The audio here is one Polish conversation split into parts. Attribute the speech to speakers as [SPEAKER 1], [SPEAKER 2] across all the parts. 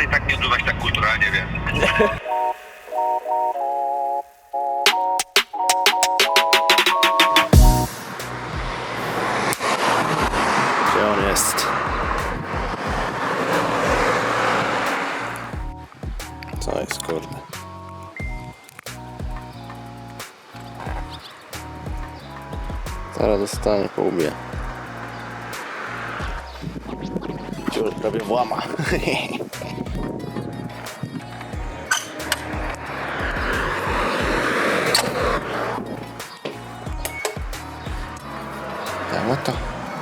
[SPEAKER 1] i tak nie odbywać tak kulturalnie, więc...
[SPEAKER 2] Gdzie on jest? Co jest, kurde? Zaraz dostanie po łbie. Ciur prawie włama. Dało to.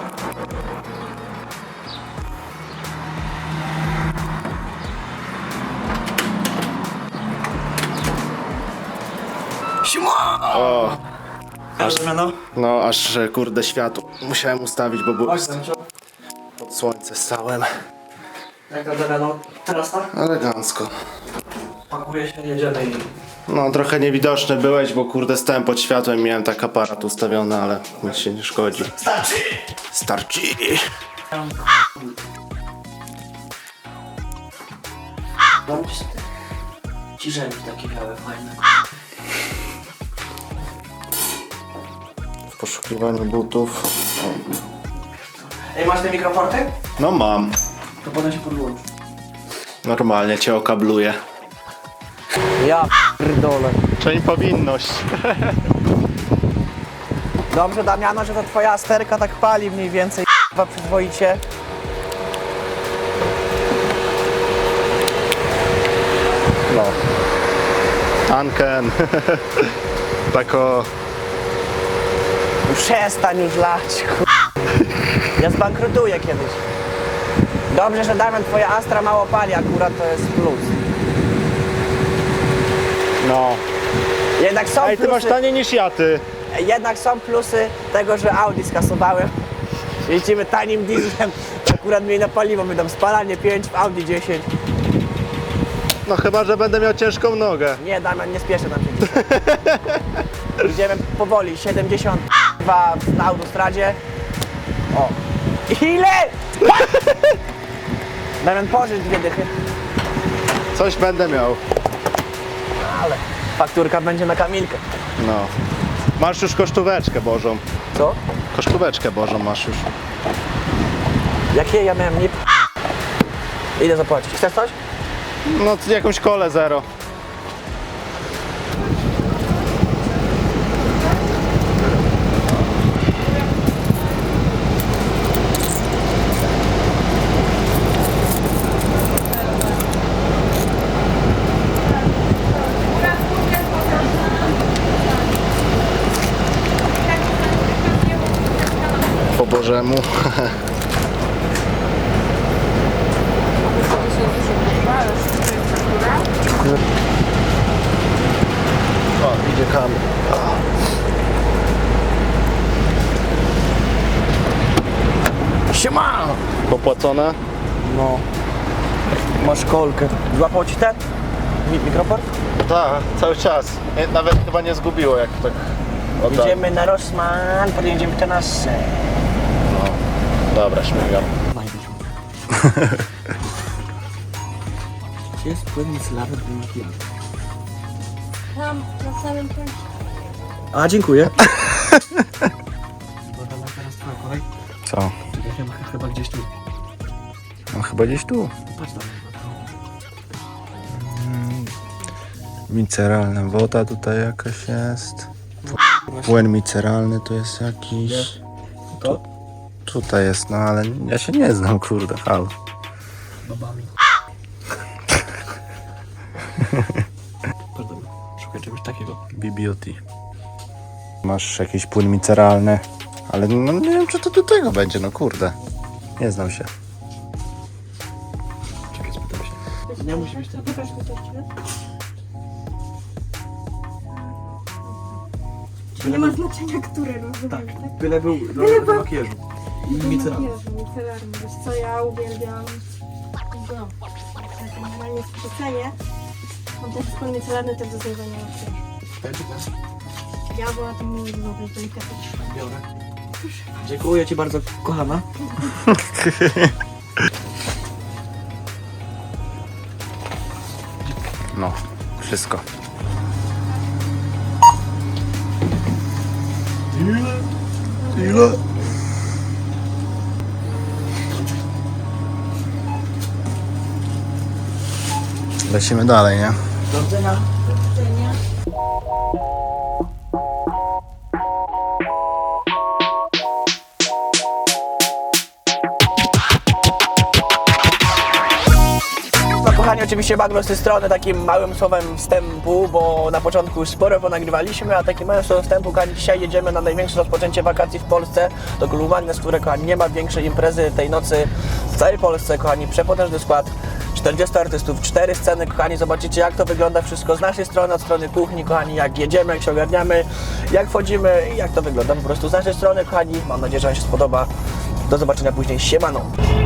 [SPEAKER 2] O! No aż kurde światło musiałem ustawić, bo było pod słońce stałem.
[SPEAKER 3] Jak to Delano? Teraz tak?
[SPEAKER 2] Elegancko.
[SPEAKER 3] Pakuje się, jedziemy i...
[SPEAKER 2] No trochę niewidoczny byłeś, bo kurde stałem pod światłem i miałem tak aparat ustawiony, ale nic się nie szkodzi.
[SPEAKER 3] Starczy!
[SPEAKER 2] Starczy!
[SPEAKER 3] Dam ci ciżemki takie białe, fajne.
[SPEAKER 2] W poszukiwaniu butów.
[SPEAKER 3] Ej, masz te mikroporty?
[SPEAKER 2] No mam.
[SPEAKER 3] To potem się podłączy.
[SPEAKER 2] Normalnie cię okabluję.
[SPEAKER 3] Ja pierdolę.
[SPEAKER 2] Czyli powinność.
[SPEAKER 3] Dobrze, Damiano, że to twoja sterka tak pali mniej więcej, chyba przyzwoicie.
[SPEAKER 2] No. Tanken. Tako.
[SPEAKER 3] Przestań już lać, Ja zbankrutuję kiedyś. Dobrze, że Damian, twoja Astra mało pali, akurat to jest plus.
[SPEAKER 2] No.
[SPEAKER 3] Jednak są
[SPEAKER 2] Ej, ty masz
[SPEAKER 3] plusy,
[SPEAKER 2] taniej niż ja, ty.
[SPEAKER 3] jednak są plusy tego, że Audi skasowałem. Jeździmy tanim dieslem, akurat mniej na paliwo, my tam spalanie 5 w Audi 10.
[SPEAKER 2] No chyba, że będę miał ciężką nogę.
[SPEAKER 3] Nie, Damian, nie spieszę nam się dzisiaj. Idziemy powoli, 72 na autostradzie. O. Ile? Damian, pożycz 2 dychy.
[SPEAKER 2] Coś będę miał.
[SPEAKER 3] Ale fakturka będzie na Kamilkę.
[SPEAKER 2] No. Masz już kosztóweczkę Bożą.
[SPEAKER 3] Co?
[SPEAKER 2] Kosztóweczkę Bożą masz już.
[SPEAKER 3] Jakie ja miałem nie... Ile zapłacić? Chcesz coś?
[SPEAKER 2] No jakąś kolę zero. Po Bożemu. O, idzie Kamil.
[SPEAKER 3] Siema!
[SPEAKER 2] Popłacone?
[SPEAKER 3] No. Masz kolkę. Złapał ci ten? Mikroport?
[SPEAKER 2] Tak, cały czas. Nawet chyba nie zgubiło, jak tak oddałem.
[SPEAKER 3] Idziemy na Rossmann, potem idziemy teraz.
[SPEAKER 2] No. Dobra, śmigam.
[SPEAKER 3] Gdzie jest płyn micelarny do makijażu?
[SPEAKER 4] Tam, na samym końcu.
[SPEAKER 3] A, dziękuję. Bo tam teraz twoja kolej.
[SPEAKER 2] Co?
[SPEAKER 3] Czekaj, chyba gdzieś tu.
[SPEAKER 2] No chyba gdzieś tu.
[SPEAKER 3] Patrz tam.
[SPEAKER 2] Miceralna woda tutaj jakaś jest. Płyn miceralny tu jest jakiś.
[SPEAKER 3] To?
[SPEAKER 2] Tutaj jest, no ale ja się nie znam, kurde, halo.
[SPEAKER 3] Babami. Pardon, szukaj czegoś takiego.
[SPEAKER 2] BBOT. Masz jakiś płyn miceralny, ale no nie wiem, czy to do tego będzie, no kurde. Nie znam się.
[SPEAKER 3] Czekaj, spytam się. Nie musi być ten.
[SPEAKER 4] Pokaż mi to jeszcze. Nie ma znaczenia, który rozumiesz,
[SPEAKER 3] Tak,
[SPEAKER 4] tak?
[SPEAKER 3] byle był do makijażu. I micelarny.
[SPEAKER 4] Micelarny. Wiesz co, ja uwielbiam go. Tak, generalnie w przecenie. On też jest płyn micelarny, też do zmywania makijażu.
[SPEAKER 3] Ten czy ten?
[SPEAKER 4] Ja była tam mówię, delikatnie.
[SPEAKER 3] Biorę. Dziękuję ci bardzo, kochana.
[SPEAKER 2] No, wszystko. Ile? Lecimy dalej, nie?
[SPEAKER 3] No kochani, oczywiście bagno z tej strony takim małym słowem wstępu, bo na początku już sporo ponagrywaliśmy, a takim małym słowem wstępu, kochani, dzisiaj jedziemy na największe rozpoczęcie wakacji w Polsce do Klubu Magnes, które, kochani, nie ma większej imprezy tej nocy w całej Polsce, kochani, przepotężny skład, 40 artystów, 4 sceny, kochani, zobaczycie jak to wygląda wszystko z naszej strony, od strony kuchni, kochani, jak jedziemy, jak się ogarniamy, jak wchodzimy i jak to wygląda po prostu z naszej strony, kochani, mam nadzieję, że Wam się spodoba, do zobaczenia później, siemano!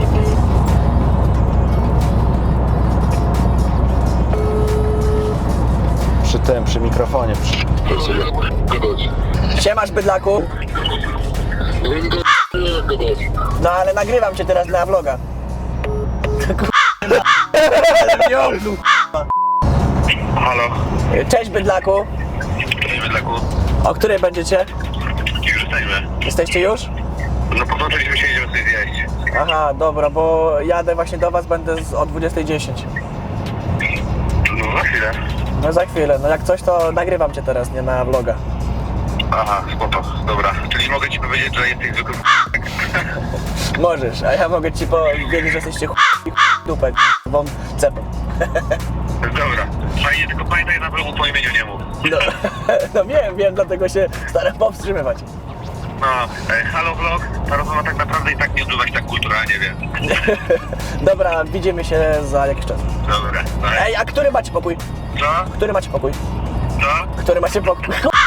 [SPEAKER 2] Przy mikrofonie.
[SPEAKER 3] Siemasz, bydlaku. No ale nagrywam cię teraz dla vloga.
[SPEAKER 1] Halo?
[SPEAKER 3] Cześć, bydlaku.
[SPEAKER 1] Cześć, Bydlaku.
[SPEAKER 3] O której będziecie?
[SPEAKER 1] Już jesteśmy.
[SPEAKER 3] Jesteście już?
[SPEAKER 1] No podłączyliśmy się, idziemy sobie zjeść.
[SPEAKER 3] Aha, dobra, bo jadę właśnie do was, będę o 20:10.
[SPEAKER 1] No za chwilę.
[SPEAKER 3] No za chwilę, no jak coś to nagrywam cię teraz, nie na vloga.
[SPEAKER 1] Aha, spoko, dobra. Czyli mogę ci powiedzieć, że jesteś zwykłym
[SPEAKER 3] Możesz, a ja mogę ci powiedzieć, że jesteście dupek, wam cepem.
[SPEAKER 1] Dobra. Fajnie, tylko pamiętaj na vlogu po imieniu nie mów.
[SPEAKER 3] No, no wiem, dlatego się staram powstrzymywać.
[SPEAKER 1] No, halo vlog. Ta rozmowa tak naprawdę i tak nie odbywa się tak kulturalnie, więc...
[SPEAKER 3] Dobra, widzimy się za jakiś czas.
[SPEAKER 1] Dobra. No,
[SPEAKER 3] Ej, a który macie pokój?
[SPEAKER 1] co?
[SPEAKER 3] Który macie pokój?
[SPEAKER 1] Co?
[SPEAKER 3] Który macie pokój?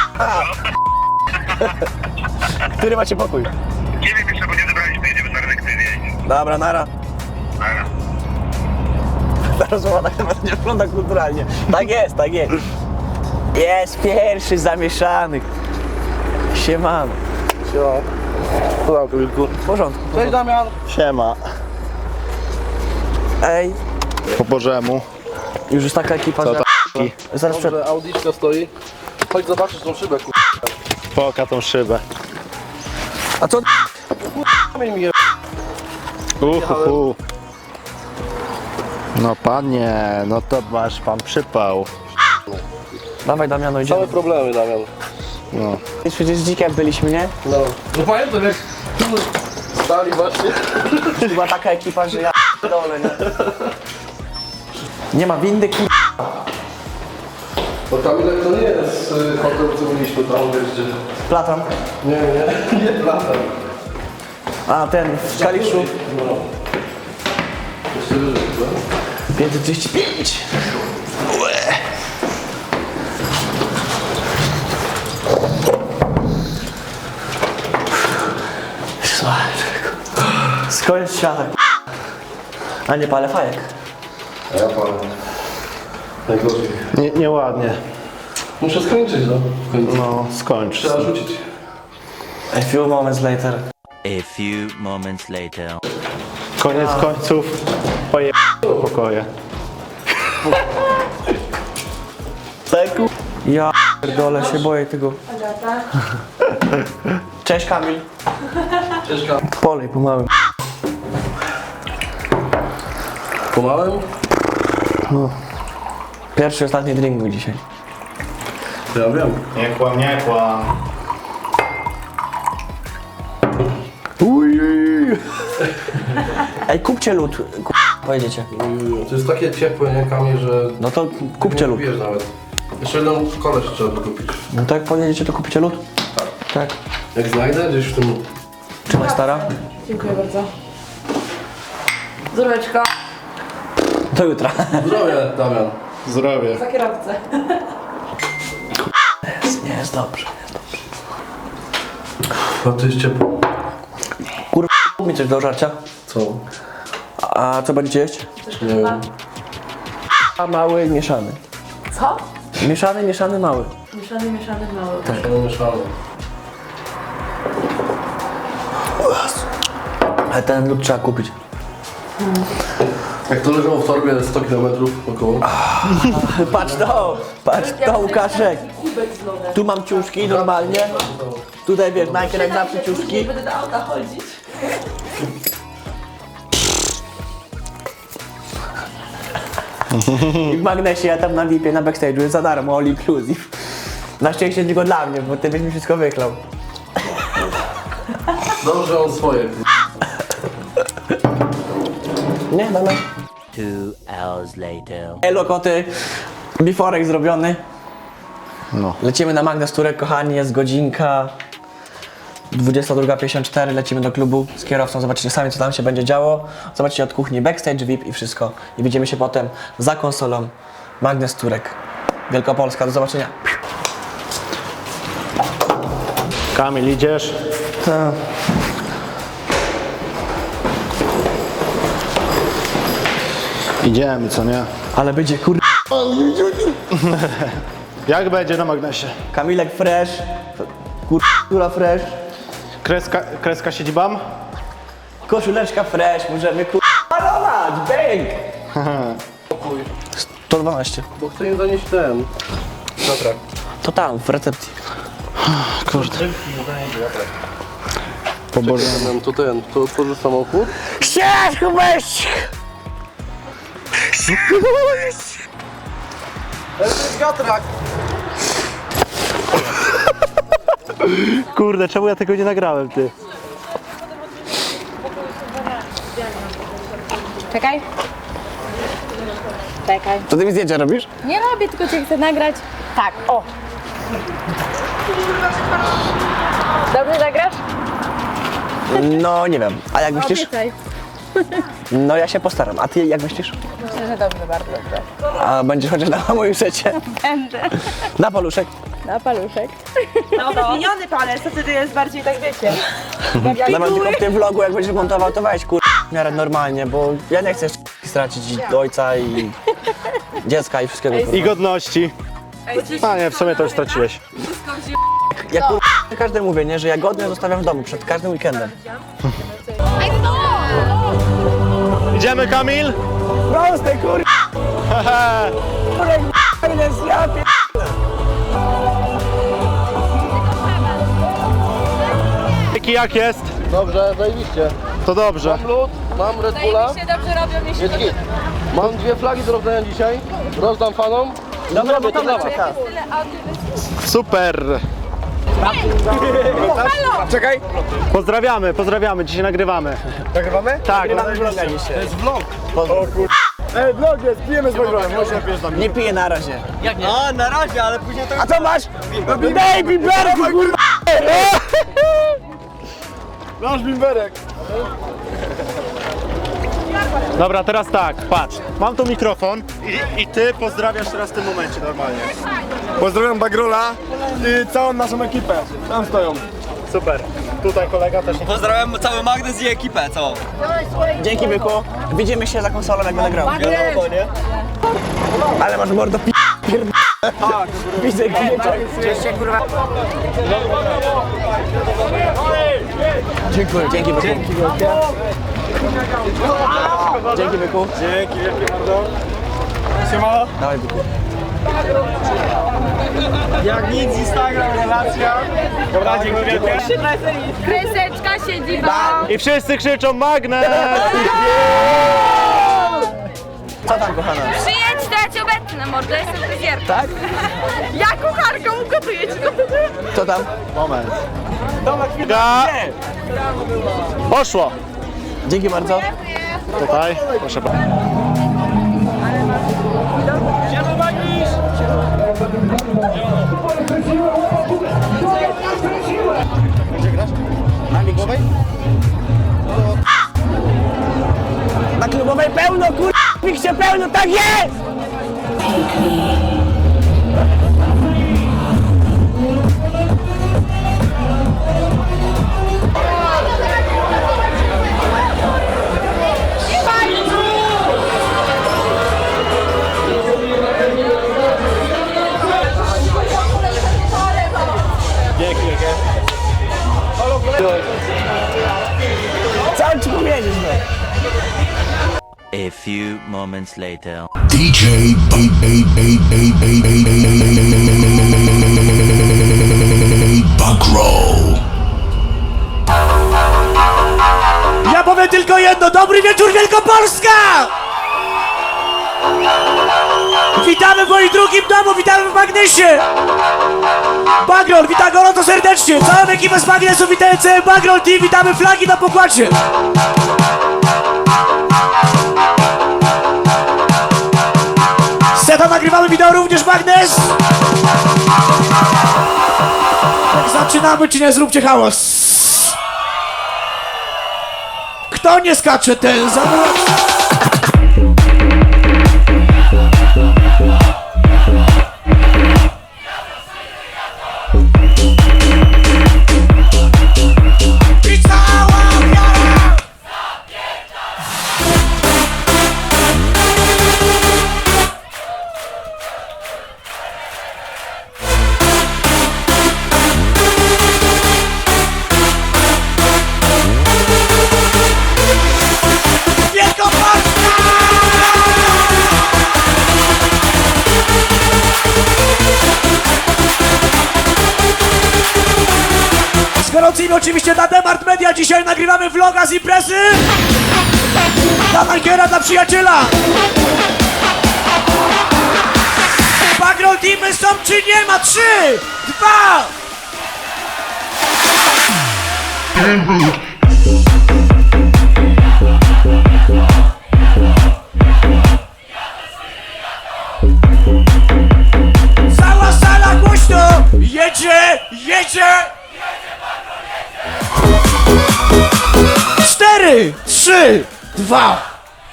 [SPEAKER 3] Który macie pokój?
[SPEAKER 1] Nie wiem jeszcze, bo nie zebraliśmy, jedziemy na redakcję zjeść.
[SPEAKER 3] Dobra, nara.
[SPEAKER 1] Dobra.
[SPEAKER 3] Ta rozmowa tak naprawdę nie wygląda kulturalnie. Tak jest, tak jest. Jest pierwszy zamieszany. Siemano.
[SPEAKER 5] Siema. Wilku.
[SPEAKER 3] W porządku.
[SPEAKER 5] Cześć Damian.
[SPEAKER 2] Siema.
[SPEAKER 3] Ej,
[SPEAKER 2] Po Bożemu.
[SPEAKER 3] już jest taka ekipa,
[SPEAKER 2] Co
[SPEAKER 3] że...
[SPEAKER 2] to
[SPEAKER 3] Zaraz przed...
[SPEAKER 5] Dobrze, Audiczka stoi. Chodź zobaczysz tą szybę, kur...
[SPEAKER 2] Poka tą szybę.
[SPEAKER 3] A co?
[SPEAKER 5] Kamień mi je...
[SPEAKER 2] No panie, no to masz pan przypał.
[SPEAKER 3] Dawaj Damiano, idziemy.
[SPEAKER 5] Same problemy, Damian.
[SPEAKER 2] No.
[SPEAKER 3] Przecież z dzikiem byliśmy, nie?
[SPEAKER 5] No. No pamiętam jak... Stali właśnie.
[SPEAKER 3] Była taka ekipa, że ja dole, nie? Nie ma windy, kur...
[SPEAKER 5] Bo Kamilek to nie jest hotel, co byliśmy tam, wiesz gdzie...
[SPEAKER 3] Platon.
[SPEAKER 5] Nie Platan.
[SPEAKER 3] A, ten w Kaliszu.
[SPEAKER 5] No. Jeszcze wyżej, co?
[SPEAKER 3] 535. Skąd świata, a nie palę fajek.
[SPEAKER 5] A ja palę. Najgorzej.
[SPEAKER 2] Nieładnie.
[SPEAKER 5] Muszę skończyć, no. W końcu.
[SPEAKER 2] No, skończ.
[SPEAKER 5] Trzeba rzucić.
[SPEAKER 3] A few moments later.
[SPEAKER 6] A few moments later.
[SPEAKER 2] Koniec końców. Poje... pokoje.
[SPEAKER 3] Ja pierdolę, się boję tego. Cześć Kamil.
[SPEAKER 5] Cześć Kam.
[SPEAKER 3] Polej pomału.
[SPEAKER 5] Pomałem?
[SPEAKER 3] Pierwszy, ostatni drink był dzisiaj.
[SPEAKER 5] To ja wiem.
[SPEAKER 2] Nie kłam, nie kłam.
[SPEAKER 3] Ej, kupcie lód. Pojedziecie.
[SPEAKER 5] To jest takie ciepłe, nie Kamil, że...
[SPEAKER 3] No to kupcie
[SPEAKER 5] nie
[SPEAKER 3] lód.
[SPEAKER 5] kupujesz nawet. Jeszcze jeden koleś trzeba by kupić.
[SPEAKER 3] No to jak pojedziecie, to kupicie lód?
[SPEAKER 5] Tak.
[SPEAKER 3] Tak.
[SPEAKER 5] Jak znajdę gdzieś w tym...
[SPEAKER 3] Trzymaj stara.
[SPEAKER 7] Dziękuję bardzo. Zdróweczko.
[SPEAKER 3] Do jutra.
[SPEAKER 5] Zdrowie, Damian.
[SPEAKER 2] Zdrowie.
[SPEAKER 7] Za kierowcę.
[SPEAKER 3] Nie jest dobrze.
[SPEAKER 5] No to jest ciepło.
[SPEAKER 3] Kurwa, kup mi coś do żarcia.
[SPEAKER 5] Co?
[SPEAKER 3] A co będziecie jeść?
[SPEAKER 5] Nie wiem.
[SPEAKER 3] A mały, mieszany.
[SPEAKER 7] Co?
[SPEAKER 3] Mieszany, mały.
[SPEAKER 7] Mieszany, mały.
[SPEAKER 5] Tak. Mieszamy.
[SPEAKER 3] Ale ten lód trzeba kupić.
[SPEAKER 5] Jak to leżało w torbie 100 km około.
[SPEAKER 3] Patrz to Łukaszek. Tu mam ciuszki normalnie. Tutaj wiesz, najpierw jak zawsze ciuszki.
[SPEAKER 7] Będę do auta chodzić.
[SPEAKER 3] I w magnesie ja tam na VIP-ie, na backstage'u jest za darmo, all inclusive. Na szczęście tylko dla mnie, bo ty byś mi wszystko wyklał.
[SPEAKER 5] Dobrze, on swoje.
[SPEAKER 3] Nie, dobra.
[SPEAKER 6] 2 hours later.
[SPEAKER 3] Elo koty, biforek zrobiony.
[SPEAKER 2] No.
[SPEAKER 3] Lecimy na Magnes Turek, kochani, jest godzinka 22:54, lecimy do klubu z kierowcą, zobaczycie sami co tam się będzie działo. Zobaczycie od kuchni backstage, VIP i wszystko. I widzimy się potem za konsolą Magnes Turek, Wielkopolska. Do zobaczenia.
[SPEAKER 2] Kamil, idziesz? Idziemy, co nie?
[SPEAKER 3] Ale będzie
[SPEAKER 2] Jak będzie na magnesie?
[SPEAKER 3] Kamilek fresh, kurwa fresh,
[SPEAKER 2] Kreska siedzibam?
[SPEAKER 3] koszuleczka fresh, możemy malować, bang! 112.
[SPEAKER 5] Bo chcę im zanieść ten. Dobra.
[SPEAKER 3] To tam, w recepcji.
[SPEAKER 2] Kurde. Pobożony.
[SPEAKER 5] To otworzysz samochód.
[SPEAKER 3] Siedź, weź!
[SPEAKER 2] Kurde, czemu ja tego nie nagrałem, ty?
[SPEAKER 8] Czekaj. Czekaj.
[SPEAKER 3] To ty mi zdjęcia robisz?
[SPEAKER 8] Nie robię, tylko cię chcę nagrać. Tak, o. Dobrze zagrasz?
[SPEAKER 3] No, nie wiem. A jak myślisz?
[SPEAKER 8] Obiecaj.
[SPEAKER 3] No, ja się postaram. A ty jak myślisz?
[SPEAKER 8] Myślę, że dobrze, bardzo dobrze.
[SPEAKER 3] A będziesz chociaż na moim secie?
[SPEAKER 8] Będę.
[SPEAKER 3] Na paluszek?
[SPEAKER 8] Na paluszek.
[SPEAKER 7] No, miniony palec, to wtedy jest bardziej tak, wiecie.
[SPEAKER 3] Nawet tylko w tym vlogu, jak będziesz montował, to weź w miarę normalnie, bo ja nie chcę stracić i ojca i dziecka i wszystkiego.
[SPEAKER 2] I godności. A nie, w sumie to już straciłeś.
[SPEAKER 3] Ja każdemu mówię, nie, że ja godnie zostawiam w domu przed każdym weekendem.
[SPEAKER 2] Idziemy, Kamil?
[SPEAKER 3] Proste
[SPEAKER 2] Jak jest?
[SPEAKER 5] Dobrze, zajebiście.
[SPEAKER 2] To dobrze.
[SPEAKER 5] Mam lód, mam Red Bulla.
[SPEAKER 8] Się dobrze robią, jeśli
[SPEAKER 5] Jest git. Mam 2 flagi do rozdania dzisiaj. Rozdam fanom.
[SPEAKER 3] Dobra, bo to
[SPEAKER 5] dla was.
[SPEAKER 2] Super.
[SPEAKER 3] Czekaj,
[SPEAKER 2] Pozdrawiamy, dzisiaj nagrywamy.
[SPEAKER 3] nagrywamy?
[SPEAKER 2] Tak.
[SPEAKER 3] Nagrywamy vloga dzisiaj. To jest vlog.
[SPEAKER 2] Ej, vlog jest, pijemy z vlogiem,
[SPEAKER 3] Nie piję na razie.
[SPEAKER 7] Jak nie? A, na razie, ale później to...
[SPEAKER 3] A co masz? Baby berku, kurwa!
[SPEAKER 2] Nasz bimberek. Dobra, teraz tak, patrz. Mam tu mikrofon i ty pozdrawiasz teraz w tym momencie normalnie.
[SPEAKER 9] Pozdrawiam Bagrola i całą naszą ekipę. Tam stoją.
[SPEAKER 2] Super. Tutaj kolega też.
[SPEAKER 7] Pozdrawiam cały Magnes i ekipę, co?
[SPEAKER 3] Dzięki, byku. Widzimy się za konsolą, jak będę grał.
[SPEAKER 7] Wiadomo, nie?
[SPEAKER 3] Ale masz mordo Widzę gnieczek. Dziękuję. Dzięki, byku. Dzięki, byku.
[SPEAKER 9] Dzięki wielkie bardzo. Siema.
[SPEAKER 3] Dawaj, byku.
[SPEAKER 9] Jak nic, Instagram, relacja. Dobra, dzięki wielkie.
[SPEAKER 8] Kreseczka siedzi wam.
[SPEAKER 2] I wszyscy krzyczą magnes!
[SPEAKER 3] Co tam, kochana?
[SPEAKER 8] Przyjedź, to ja cię obetnę, mordo, jestem fryzjerką.
[SPEAKER 3] Tak?
[SPEAKER 8] Ja kucharką ugotuję ci to.
[SPEAKER 3] Co tam?
[SPEAKER 2] Moment. Poszło.
[SPEAKER 3] Dzięki bardzo.
[SPEAKER 2] Tutaj, proszę bardzo.
[SPEAKER 3] Na klubowej? Na klubowej pełno, miksie pełno, tak jest! Co ci powiedzieć, no?
[SPEAKER 6] A few moments later.
[SPEAKER 10] DJ Bagroll.
[SPEAKER 3] Ja powiem tylko jedno, dobry wieczór Wielkopolska! Witamy w moim drugim domu, witamy w Magnesie! Bagroll, witam gorąco serdecznie, całą ekipę z Magnesu, witają cały Bagroll Team, witamy flagi na pokładzie! Seta nagrywamy wideo również Magnes! Zaczynamy czy nie, zróbcie hałas! Kto nie skacze, ten zamówił. I cała wiara! Wielkopolska! Z gorącymi oczywiście na Demart Media dzisiaj nagrywamy vloga z imprezy dla Majkiera, dla przyjaciela. Bagroll Teamy są czy nie ma? 3, 2. Cała sala głośno! Jedzie! Jedzie! 4, 3, 2.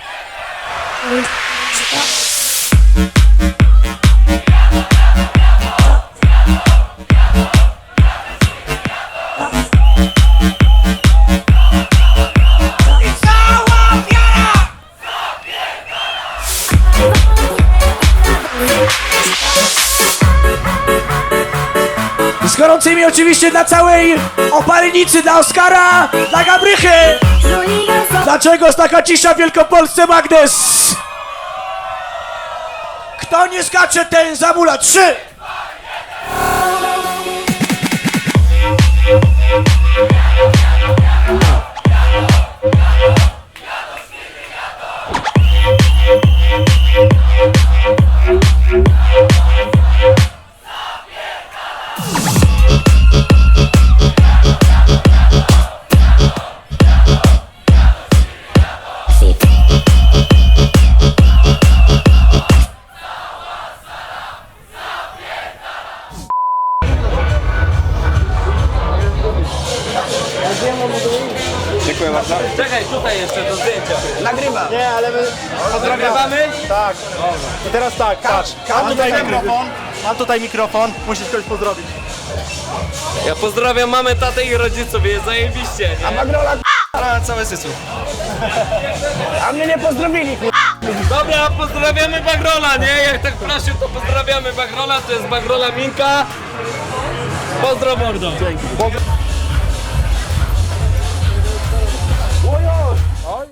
[SPEAKER 3] I cała wiara! Z gorącymi oczywiście dla całej opalenicy, dla Oskara, dla Gabrychy! Dlaczego jest taka cisza w Wielkopolsce, Magnes? Kto nie skacze, ten zamula. 3!
[SPEAKER 5] Czekaj, tutaj jeszcze do zdjęcia.
[SPEAKER 3] Nagrywa.
[SPEAKER 9] Nie, ale my
[SPEAKER 5] Nagrywamy?
[SPEAKER 9] tak. I teraz tak, patrz. Mam tutaj mikrofon, musisz kogoś pozdrowić.
[SPEAKER 5] Ja pozdrawiam mamę, tatę i rodziców, jest zajebiście, nie?
[SPEAKER 3] Bagrola,
[SPEAKER 9] Ale całe sysu.
[SPEAKER 3] a mnie nie pozdrowili,
[SPEAKER 5] Dobra, pozdrawiamy Bagrola, nie? Jak tak prosił, to pozdrawiamy Bagrola, to jest Bagrola Minka. Pozdro mordo.